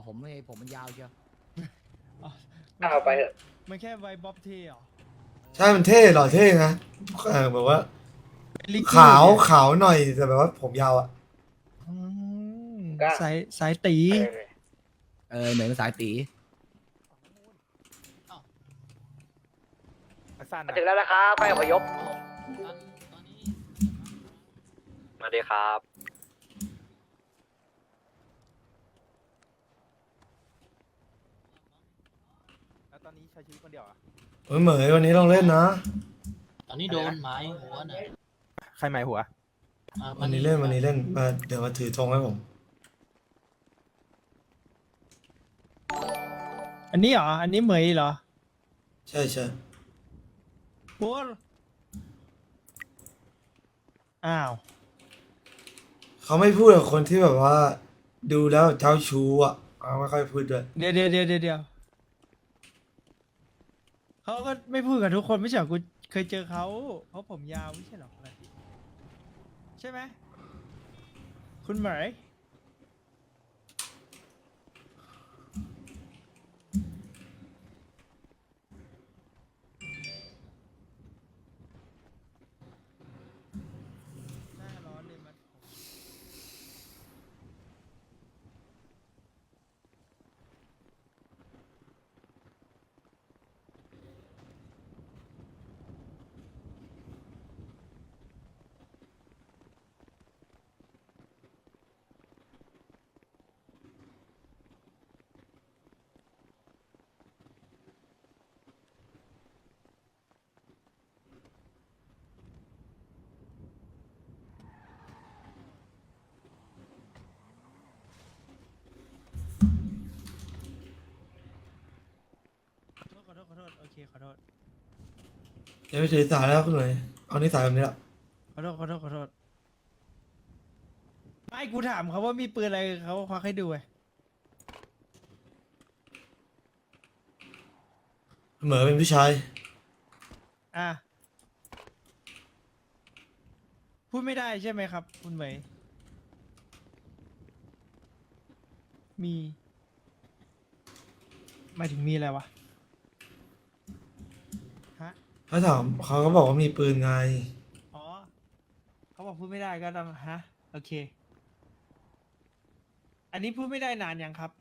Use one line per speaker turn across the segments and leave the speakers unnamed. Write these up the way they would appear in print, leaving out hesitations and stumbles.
ผมมันยาวเชียว
อ๋อ
เอาไปเถอะ
มันแค่ไวบ๊อบเทเหรอ
ใช่มันเท่หล่อเท่นะแบบว่า
ลิกกี้
ขาว
เนี่ย
ขาวหน่อยแต่แบบว่าผมยาวอ่ะ
อืม
ก็
สายตี
เหมือนสายตี
มาถึงแล้วนะครับไปอพยพ
สวัสดีครับ
แล้วตอนนี้ใช้ชีวิตคนเดียวอ่ะ
เฮ้ยเหมยวันนี้ลองเล่นนะ
ตอนนี้โดนไม้หัวน่ะ
ใครหมายหัว
วันนี้เล่นมาเดี๋ยวมาถือธงให้ผม
อันนี้เหรอ อันนี้เหมยเหรอ
ใช่ใช่
โอ้อ้าว
เขาไม่พูดกับคนที่แบบว่า ดูแล้วเจ้าชู้อ่ะเขาไม่ค่อยพูดด้วย
เดี๋ยวเขาก็ไม่พูดกับทุกคนไม่ใช่เหรอกูเคยเจอเขาเพราะผมยาวไม่ใช่เหรออะไรใช่ไหมคุณเหมยหน้าร้อนเลยมัน ขอโทษโอเคขอโทษ
อย่าไปถือสายแล้วคุณเหมยเอานิสัยแบบนี้แหละ
ขอโทษไม่กูถามเขาว่ามีปืนอะไรเขาควักให้ดูไง
คุณเหมยเป็นผู้ชาย
อ่ะพูดไม่ได้ใช่ไหมครับ คุณเหมยมีหมายถึงมีอะไรวะฮะ
เขาถามเขาก็บอกว่ามีปืนไง
อ๋อเขาบอกพูดไม่ได้ก็ต้องฮะโอเค อันนี้พูดไม่ได้นานยังครับ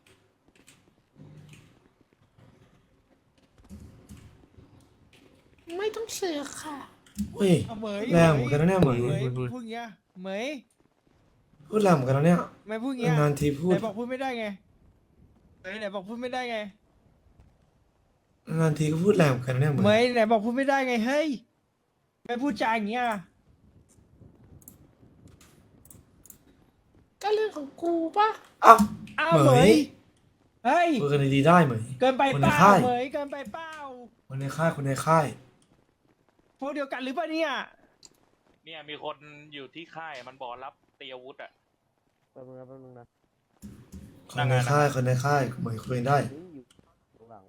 ไม่ต้องเสือกค่ะ
เฮ้ย
เอาเหมย
แรงเหมือนกันนะเนี่ยเหมย
พูดอย่างเงี้ยเหมย
พูดแรงเหมือนกันนะเนี่ย
ไม่พูดอย่างเงี้ย
นานทีพูด
ไหนบอกพูดไม่ได้ไงไหนบอกพูดไม่ได้ไง
นานทีก็พูดแรงเหมือนกันนะเนี่ยเหม
เหม
ย
ยไหนบอกพูดไม่ได้ไงเฮ้ยไม่พูดจาอย่างเงี้ย
ก็เรื่องของกูป่ะ
อ้าว
อ้าว
เห
เห
ม
ม
ย
ยเฮ้ย
พูดกันดีๆได้เหมย
เกินไป
คน
เป
ใน
ล่า
ค่าย
เหมยเกินไปเปล่า
คนในค่ายคนในค่าย
พวกเดียวกันหรือเปล่าเนี่ย
เนี่ยมีคนอยู่ที่ค่ายมันบอกรับเตรียมอาวุธอ่ะ
แป๊บนึงนะ
คนในค่ายคนในค่ายเหมยคุยได้
อยู่หลัง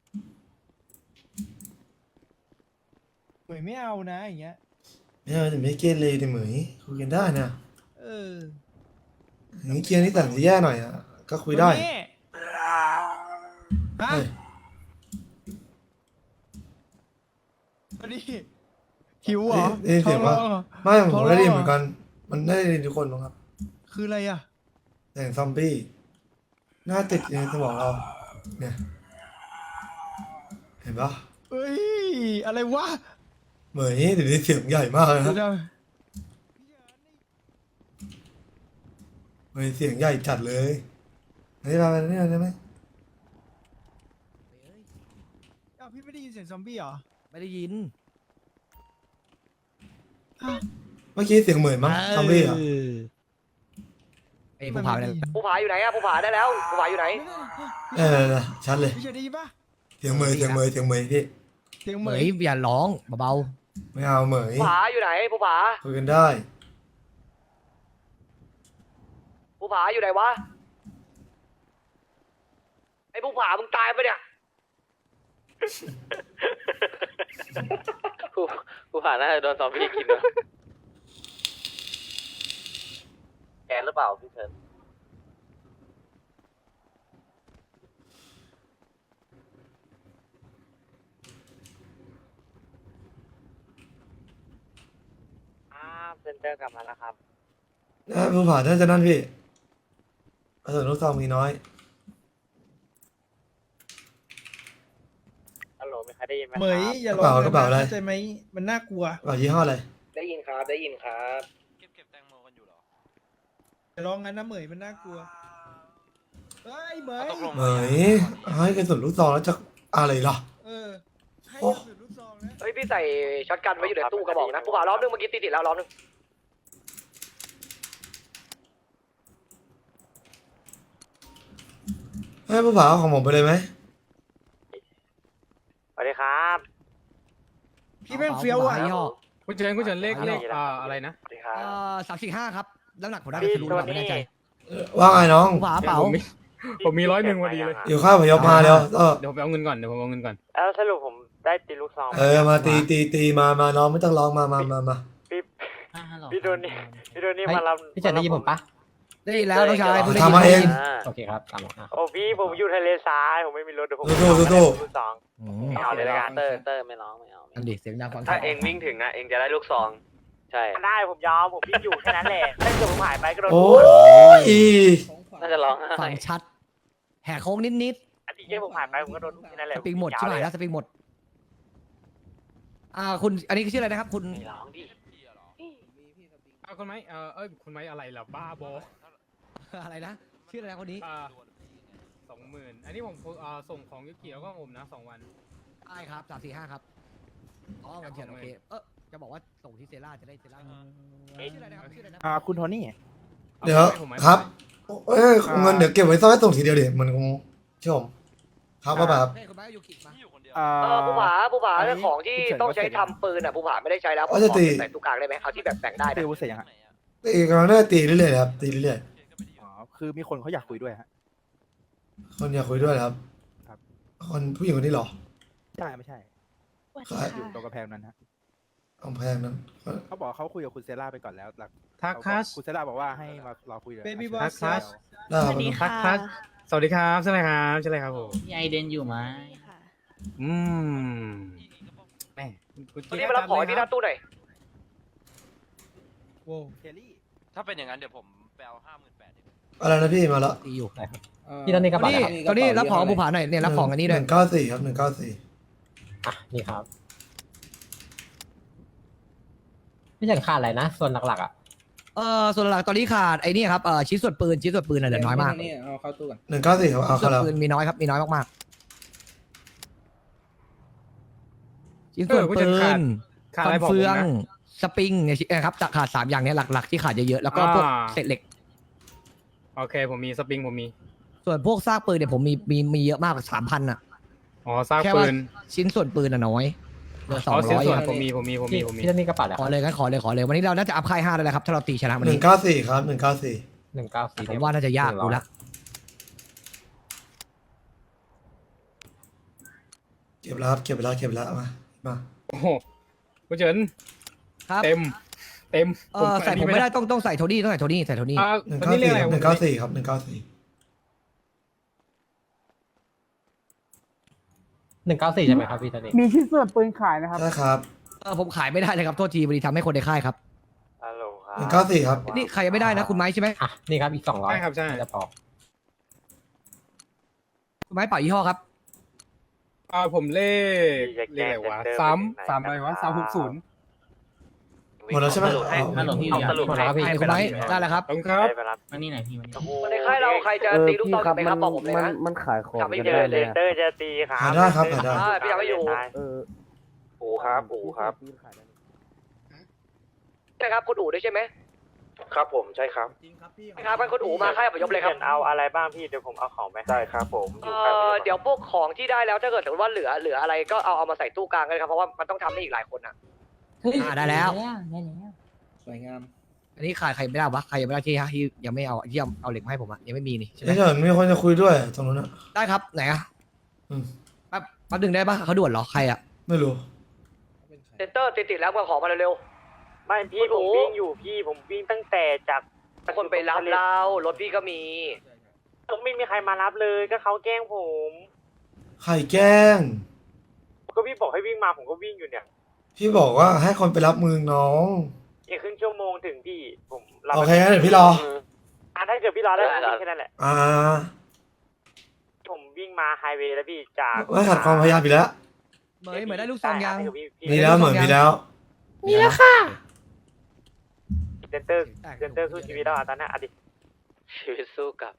เหมยไม่เอานะอย่างเงี้ย
ไม่เอาแต่ไม่เกเรดิเหมยคุยกันได้นะ
เออ
อย่างนี้เกียร์นี่แต่งจะแย่หน่อยอ่ะก็คุยได้
คนนี้ฮะ
เฮ้ย
คนนี้หิวเหรอ
ได้ยินเสียงว่า
ท้อร้อหรอ
ไม่ผม
ท้อง
ได้ยิน
ร้อง
เหมือนกัน มันได้ยินทุกคนมั้งครับ
คืออะไรอ่ะ
แต่งซอมบี้หน้าติดอยู่ในสมองเรา เนี่ย เห็นปะ
เอ้ยอะไรวะ
เหมยเดี๋ยวนี้เสียงใหญ่มากเลยครับ
เดี๋ยว
เหมยเสียงใหญ่จัดเลยอันนี้มาเนี่ยได้ไหม
อ้าวพี่ไม่ได้ยินเสียงซอมบี้เหรอ
ไม่ได้ยิน
เมื่อกี้เสียงเหมยมั้งซอมบี้อ่ะ
ไอ้ผู้พาไปไหน
ผู้ผาอยู่ไหนอะผู้ผาได้แล้วผู้ผาอยู่ไหน
ชัดเลย
พี่เฉยได้ยินปะ
เสียงเหมยพี่
เสียงเห
เห
ม
ม
ย
ยอย่าร้องเบา
ไม่เอาเหมย
ผู้ผาอยู่ไหนผู้ผา
คุยกันได้
ผู้ผาอยู่ไหนวะไอ้ผู้ผามึงตายปะเนี่ย
ผู้ผ่านน่าจะโดนซอมบี้กินนะแกนหรือเปล่าพี่เชิญ
เซนเตอร์กลับมาแล้วครับ
ภูผาน่าจะนั่นพี่กระสุนลูกซองมีน้อย
ฮัลโหลมีใครได้ยินไหม
เหมยอย่าร้อง
กระเป๋าอะไร
เข้าใจไหมมันน่ากลัว
กระเป๋ายี่ห้ออะไร
ได้ยินครับ ได้ยินครับ
เก็บแตงโมกันอยู่เหรอ
อย่าร้องงั้นนะเหมยมันน่ากลัวเฮ้ยเหมย
ตกลง
เหมยให้กระสุนลูกซองแล้วจะอะไรล่ะ
เออให้
โอ้
กระสุนลูกซองนะ
เฮ้ยพี่ใส่ช็อตกันไว้อยู่ในตู้กระบอกนะผู้ผ่ารอบนึงเมื่อกี้ติดแล้วรอบนึง
ให้ภูผาเอาของผมไปเลยไหม
สวัสดีครับ
พี่แม่งเฟี้ยวอ่ะ
ยี่ห้อ
คุณเฉินเลขอะไรนะ
สวัสดีครับ
345ครับน้ำหนักผมได้ไม่รู้หรอกไม่แน่ใจ
ว่าไงน้อง
ภูผาเปล่า
ผมมี101พอดีเลย
อยู่ข้าวพยพมาเร็ว
เดี๋ยวผมไปเอาเงินก่อน
แล้วสรุปผมได้ตีลูกซอง
มาตีมาน้องไม่ต้องร้องมา
พี่
ฮัลโหล
พี่โดนี่มารับ
พี่จันได้ยินผมปะ
ได้ยินแล้วน้องชายพูดได้
ทำมาเอง
โอเคครับตามมา
โอ้พี่ผมอยู่ทะเลทรายผมไม่มีรถเดี๋ยวผม
สู้ๆ
ลูกซอง
อืม
เอาเลยละกันเตอร์ไม่ร้องไม่เอา
อันดิเสียงดังฟัง
ถ้าเองวิ่งถึงนะเองจะได้ลูกซองใช่ได้ผมยอมผมวิ่งอยู่แค่นั้นแหละถ้าเกิดผมหายไปก็โดน
โอ้ย
น่าจะร้อง
ฟังชัด แหกโค้งนิด
อันที่แค่ผมหายไปผมก็โดนทุกแค่นั้นแห
ๆ
ละ
สปริงหมดใช่ไหมแล้วสปริงหมดคุณอันนี้คือชื่ออะไรนะครับ คุณ
ไม่ร้องดิ
คุณไม้คุณไม้อะไรล่ะบ้าบอ
อะไรนะชื่ออะไรนะคนนี้
20,000อันนี้ผมส่งของยุกิแล้วก็ผมนะ2 วัน
ได้ครับ345ครับอ๋อเงินเขียนโอเคจะบอกว่าส่งที่เซล่าจะได้เซล่าชื่ออะไรนะครับชื่ออะไรนะ
คุณโทนี่
เดี๋ยวครับเงินเดี๋ยวเก็บไว้ซ่อนไว้ส่งทีเดียวเดี๋ยวมันคงเชื่อผมครับว่าแบบ
เฮ้ยคุณไม้ยูกิมา
ผู้ผาเรื่องของที่ต้องใช้ทำปืนอ่ะผู้ผาไม่ได้ใช้แล้วผมขอใส่ตู้กลางได้ไหมเอาที่แบบแต่งได้
ตี
นะ
วุ้เสร็จยังฮะ
ตีกำลังน่าตีเรื่อยๆครับตีเรื่อย
อ๋อคือมีคนเขาอยากคุยด้วยฮะ
ๆคนอยากคุยด้วยครับ
ครับ
คนผู้หญิงคนนี้เหรอ
ใช่ไม่ใช่
ใช่
อยู่ตรงกระแพงนั้นฮะ
กำแพงนั้น
เขาบอกเขาคุยกับคุณเซล่าไปก่อนแล้วหลัก
ทักคัส
คุณเซล่าบอกว่าให้มารอคุยเลย
Baby boss
ทัก
ได้ครับ
ทักคัสสวัสดีครับใช่ไหมครับผม
พี่ไอเดนอยู่ไหม
แม่คุณ
วันนี้มารับของที่หน้าตู้หน่อย
โว้ว
เคลลี่
ถ้าเป็นอย่างนั้นเดี๋ยวผมไปเอา58,000
อะไรนะพี่มาแล้ว
ตีอยู่
พี่นั่นนี่กระ
ตอ
เป๋าน
นี้ตอนนี้รับของภูผาหน่อยเนี่ยรับของอันนี้ด้วย
194ครับ194
อ่ะนี่ครับพี่จันขาดอะไรนะส่วนหลักๆอ่ะ
ส่วนหลักตอนนี้ขาดไอ้นี่ครับชิ้นส่วนปืนน่ะเหลือน้อยมาก
เอาเข้าตู้ก่อน
194ครับเอา
ชิ้นส่
เข้า
วน
แล้ว
ปืนมีน้อยครับมีน้อยมากๆชิ้นส่วนปืน
ขาด
ฟั
อะไร
น
บอกผ
เฟื
ม
อง
นะ
สปริงเนี่ยครับจะขาด3อย่างเนี้ยหลักๆที่ขาดเยอะๆแล้วก็พวกเศษเหล็ก
โอเคผมมีสปริงผมมี
ส่วนพวกซากปืนเนี่ยผมมีเยอะมาก3,000อ่ะ
อ๋อซาก
แค่
ปื
ว่าน ชิ้นส่วนปืนอ่ะน้อยเหลือ
อ๋อเส้นส่วน
200ครับ
ผมมี
พี่นั่นนี่กระเป๋าอะไร
ขอเลยงั้นขอเลยวันนี้เราน่าจะอัพค่าย5ได้แล้วครับถ้าเราตีชนะวันนี้
194ครับ194
194
ผมว่าน่าจะยากดูละ
เก็บแล้วครับเก็บแล้วมา
โอ้โหคุณเฉิน
ครับ
เต็ม
ใส่ผมไม่ได้ต้องใส่โทนี่ใส่โทนี่
ตอนนี้เรียกอะไร
194ครับ194
194ใช่ไหมครับพี่ตอนนี้
มีชิ้นส่วนปืนขายนะครับ
ใช่ครับ
ผมขายไม่ได้เลยครับโทษทีพอดีทำให้คนในค่ายครับ
ฮัลโหลครับ
194ครับ
นี่ใครยังไม่ได้นะคุณไม้ใช่ไหม
อ่ะนี่ครับอีก200
ใช่ครับใช่
จะพอ
คุณไม้เป่ายี่ห้อครับ
ผมเลขอะไรวะ3อะไรวะ360
หมดแล้วใช่ไหม
ฮัลโหลพี่
หมดแล้วครับพี่
ให้คุณไม้ได้แล้วครับ
ขอบคุณครับ
มานี่หน่อยพี่มานี่
ในค่ายเราใครจะตีลูกซองไหมครับบอกผมเลยนะ
มันขายของ
ทำไม่เจอเลยเตอร์จะตีครับ
หาได้ครับหาได้
พี่ยังไม่อยู่
อูครับ
ใช่ครับคุณอู๋ด้วยใช่ไหม
ครับผมใช่ครับ
ครับงั้นคุณอู๋มาค่ายประยบเลยครับเอาอะไรบ้างพี่เดี๋ยวผมเอาของไปได้ครับผมเดี๋ยวพวกของที่ได้แล้วถ้าเกิดสมมติว่าเหลืออะไรก็เอามาใส่ตู้กลางกันครับเพราะว่ามันต้องทำให้อีกหลายคนอ่ะ
ได้แล้ว
สวยงาม
อันนี้ขาดใครไม่ได้วะใครยังไม่ได้ที่ยังไม่เอาเอาเหล็กมาให้ผมอะยังไม่มีนี่ใช่ไหม
นี่เฉินมีคนจะคุยด้วยตรงนู้นอะ
ได้ครับไหนอะ
อืม
แป๊บดึงได้ปะเขาด่วนเหรอใครอะ
ไม่รู้
เซนเตอร์ติดแล้วมาขอมาเร็วๆไม่พี่ผมวิ่งอยู่พี่ผมวิ่งตั้งแต่จากคนไปรับเรารถพี่ก็มีผมไม่มีใครมารับเลยก็เขาแกล้งผม
ใครแกล้ง
ก็พี่บอกให้วิ่งมาผมก็วิ่งอยู่เนี่ย
พี่บอกว่าให้คนไปรับมือน้อง
อีกครึ่งชั่วโมงถึงพี่ผม
โอเคงั้นเดี๋ยวพี่รอ
ถ้าเกิดพี่รอได้ผมวิ่งแค่นั้นแหละ
อ่า
ผมวิ่งมาไฮเวย์แล้วพี่จาก
ไม่ขัดความพยายามอีกแล้ว
เหมยได้ลูกซองยัง
มีแล้วเหมือนมีแล้ว
มีแล้วค่ะ
เซนเตอร์สู้ชีวิตแล้วตอนนี้อดีตชีวิตสู้กับ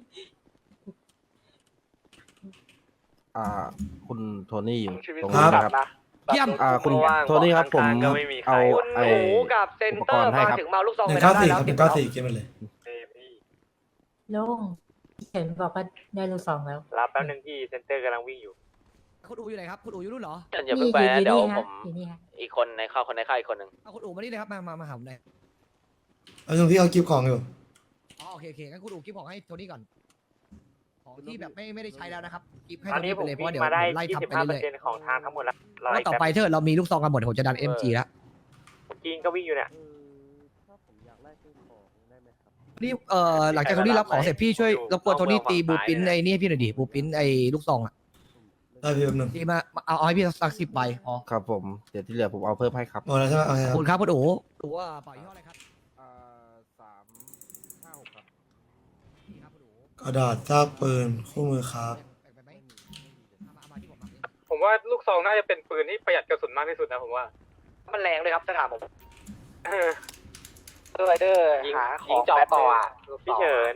คุณโทนี่อยู่ตรง
ครั
นี้
บ
นะครับ
เยี่ยม
คุณโทนี่ครับผมเอา
คุณ
ไอ้
หมูกับเซนเตอร์
อุปกรณ์ให้
มา
ครับ
ถึงมาลูกซอง
หนึ่
ไป
งเก้า
ได้
สี่
แล้
คว รับ194เก็บมันเลย
ลุงเห็นบอกว่าได้ลูกซองแล้ว
รับแป๊บนึงพี่เซนเตอร์กำลังวิ่งอยู่
คุณอูอยู่ไหนครับคุณอูอยู่นู่นเหรอ
อย่าเพิ่งไปนะเดี๋ยวผม
อยู่นี่ฮะ
อีกคนในค่ายอีกคนหนึ่ง
เอาคุณอูมานี่เลยครับมาหาผมหน่อย
เอาตรงที่เขากิฟของอยู่
อ๋อโอเคงั้นคุณอูกิฟของให้โทนี่ก่อนของที่แบบไม่ได้ใช้แล้วนะครับกิฟให้
ตอน
โท
นี้
นี่
ผ
ไป
ม
เลยเพราะ
วิ่
เดี๋
ง
ยว
มาได้
ไล่ทำไปเรื่อย
25%ของทางทั้งหมดแล้ว
ๆแล้วต่อไปถ้าเรามีลูกซองกันหมดผมจะดัน MG แล้ว
จีนก็วิ่งอยู่เนี่ย
นี่หลังจากโทนี่รับของเสร็จพี่ช่วยรบกวนโทนี่ตีบูปินไอ้นี่ให้พี่หน่อยดิบูปินไอ้ลูกซองอ่ะ
ได้พี่แป๊บนึง
ตีมาเอาให้พี่สัก10 ใบพอ
ครับผมเดี๋ยวที่เหลือผมเอาเพิ่มให้ครับ
หมดแล้วใช่ไหมโอเค
ข
ค
อบ
รับ
คุณครับคุณอูอูว่าเป่ายี่ห้ออะไรครับ
356ครับ
นี่ครับคุณอู
กระดาษซากปืนคู่มือครับ
แบ่งไปไหมเอามาที่ผมมาดิ
ผมว่าลูกซองน่าจะเป็นปืนที่ประหยัดกระสุนมากที่สุดนะผมว่า
มันแรงเลยครับถ้าถามผม
เออ
ไรเดอร์หาของจอบต่อพี่เฉิน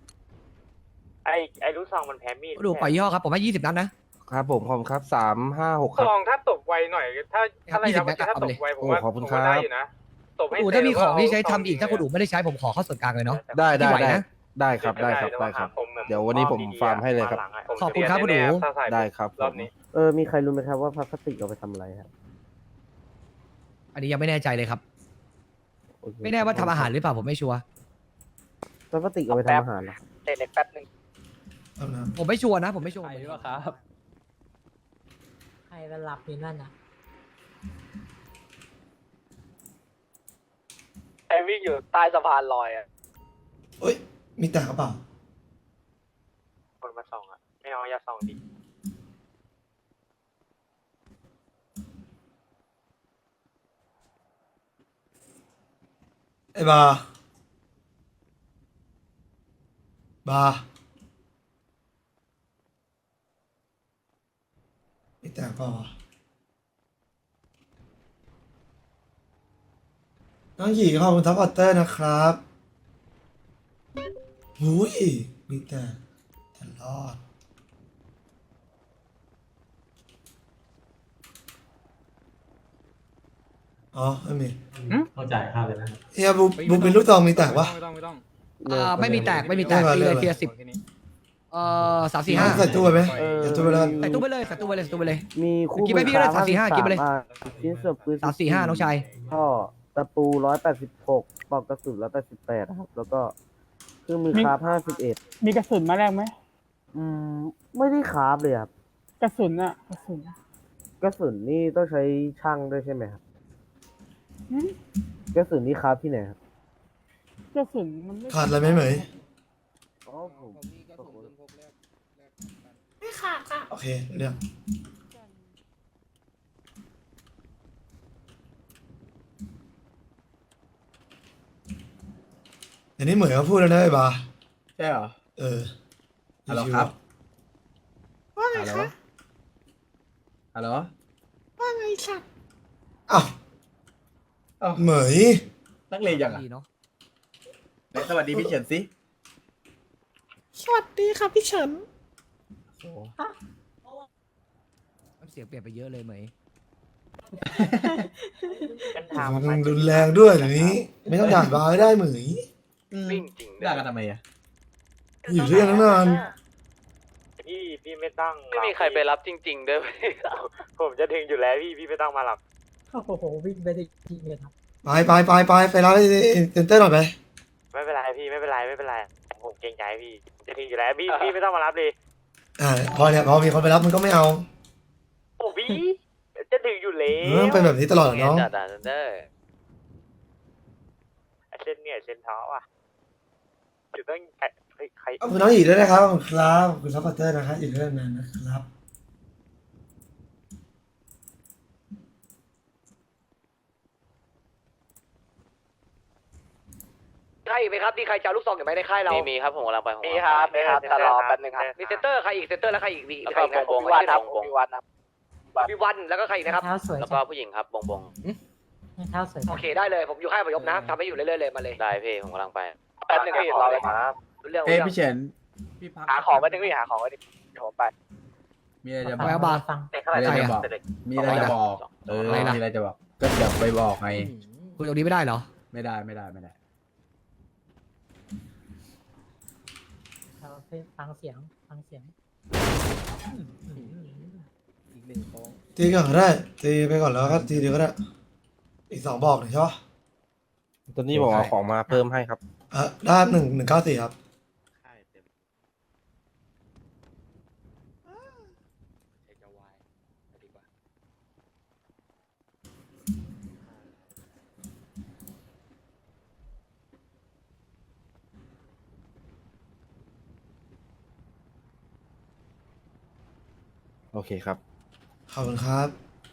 ไอ้ลูกซองมันแพ้มีด
คุณอูเป่ายี่ห้อครับผมให้20 นัดนะครับ
ผมขอบคุณครับ356ค
ซ
รับ
องถ้าตบไวหน่อย ถ้าระยะเวลาถ้าตบไวผมว่า
โอ้ขอบคุณ
ผม
ครับ
ว่าได้อยู่นะตบ
คุณ
ให้
อู
เสร็จ
ถ้ามีของ
แล้ว
ที่ใช้
เา
ทำอีกถ้าคุณอูไม่ได้ใช้ผมขอเข้าส่วนกลางเลยเนาะ
ได้
ที่ไหวนะ
ได้ครับได้ครับได้ครับ เดี๋ยววันนี้ผมฟาร์มให้เลยครับ
ขอบคุณครับคุณอู๋
ถ้าใส่
ได้ครับ
รอบนี้
มีใครรู้ไหมครับว่าพลาสติกเอาไปทำอะไรครับ
อันนี้ยังไม่แน่ใจเลยครับ ไม่แน่ว่าทำอาหารหรือเปล่าผมไม่ชัวร์
พลาสติกเอาไปทำอาหารเหรอ
เตะเล็กแป๊บนึง
เอานะ
ผมไม่ชัวร์นะผมไม่ชัวร์
ใครมาหลับอยู่นั่นน่ะ
ไอ้วิ่งอยู่ใต้สะพานลอยอ่ะ
เอ้ย มีแต่กระเป๋า
คนมาส่องอ่ะไม่เอาอย่าส่องดิ
ไอ้บาร์บาร์มีแต่กระเป๋าวะน้องหยีขอบคุณทัพพอตเตอร์นะครับหุยมีแต่รอด อ๋อไม่มี
เขาจ่ายค่าเลยนะ
เฮียบูเป็นลูกซองมีแต่วะ
ไม่ต้องไม่ต้อง
ไม่มีแตกไม่มีแตก
เรื่องอะไร
เทียร์
โอเคนี่
10 3 4
ใส่
5
ตู้ไปไหมใส่ตู้ไปแล้วกัน
ใส่ตู้ไปเลยใส่ตู้ไปเลยใส่ตู้ไปเลย
มีคู่
กินไปพี่ก็ได้345กินไปเลย
ชิ้นส่วนปืน
3 4 5น้องชาย
ท่อตะปู186ปลอกกระสุน188ครับ แล้วก็เครื่องมือคราฟ51
มีกระสุนมาแรกไหม
ไม่ได้คราฟเลยครับ
กระสุนอะกระสุน
กระสุนนี่ต้องใช้ช่างด้วยใช่ไหมครับกระสุนนี่คราฟที่ไหนครับ
กระสุนมันไม่
ขาดอะไรไหมเหมย
อ๋อผม
ไม่ขาดค่ะ
โอเคเรื่องอันนี้เหมยเขาพูดแล้วนะไอ้บาร์
ใช่เหรอ
เออ
ฮัลโหลครับ
ว่าไง
ฮัลโหล
คะ
ฮัลโหล
ว่าไงค่ะ
อ้าว
อ้าว
เหมย
นักเรียนยังอ่ะ
ดีเนาะ
ไหนสวัสดีพี่เฉินสิ
สวัสดีค่ะพี่เฉิน
โอ้
น้ำเสียงเปลี่ยนไปเยอะเลยเหมย
กันทาง
มันรุนแรงด้วยเดี๋ยวนี้ ไม่ต้องด่าบาร์ก็ได้เหมย
วิ่งจริง
ด่ากันทำไมอ่ะ
อยู่ด้วยกันตั้งนาน
พี่ไม่ต้องไม่มีใครไปรับจริงๆด้วย ผมจะถึงอยู่แล้วพี่ไม่ต้องมารับ
โอ้โหวิ่งไปได้จริงเลยครับ
ไปรับไอ้เซนเตอร์หน่อยไป
ไม่เป็นไรพี่ไม่เป็นไรผมเกรงใจพี่จะถึงอยู่แล้วพี่ไม่ต้องมารับเลย
พอเนี่ยพอมีคนไปรับมันก็ไม่เอา
โอ้พี่จะถึงอยู่แล้
เออ
ว
เป็นแบบนี้ตลอดเหรอน้อง
จัดเด้อเส้นเนี่ยเส้นท้ออ่ะอยู่ต้องใคร
ขอบคุณน้องหยีด้วยนะครับขอบคุณครับขอบคุณซัพพอร์ตเตอร์นะครับอยู่ด้วยกันนานนะครับ
อีกไหมครับมีใครจะเอาลูกซองอยู่ไหมในค่ายเรา
มีครับผมกำลังไป
มีครับแต่รอแป๊บนึงครับมีเซนเตอร์ใครอีกเซนเตอร์แล้วใครอีกมีใครอีกนะวิวันครับวิวันครับวิวันแล้วก็ใครอีกนะครับ
เท้าสวย
แล้ว
จั
ก็
ง
ผู้หญิงครับบงบง
เท้าสวยจั
โอง เคได้เลยผมอยู่ค่ายประยบนะทำให้อยู่เรื่อยๆเลยมาเลย
ได้พี่ผมกำลังไป
แป๊บนึงพี่รอเลยครับเรื่อง
เอ้ยพี่เฉินพี่พัก
หาของไว้นึงพี่หาของไว้ดิเดี๋ยวผมไป
มีอะไรจะบ
ฟั
อง ก
รอฟัง
มีอะไรจะบอกมีอะไรจะบอกมีอะไรจะบอกก็เดี๋ยวไปบอกไง
คุยตรงนี้ไม่ได้เหรอ
ไม่ได้ไม่ได้ไม่ได้
เราฟังเสียงฟังเสียง
ตีก่อนก็ได้ตีไปก่อนแล้วก็ตีเดียวก็ได้อีก2บอกหน่อยใช่ปะ
ตอนนี้ผมเอาของมาเพิ่มให้ครับ
ได้194ครับ
โอเคครับ
ขอบคุณครับ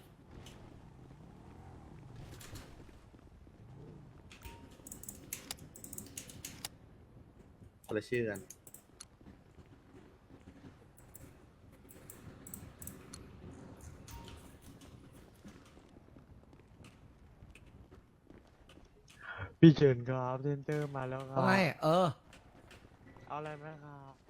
คนละชื่อกัน
พี่เฉินครับเซนเตอร์มาแล้วครับ
ไม่
เอาอะไรไหมครับ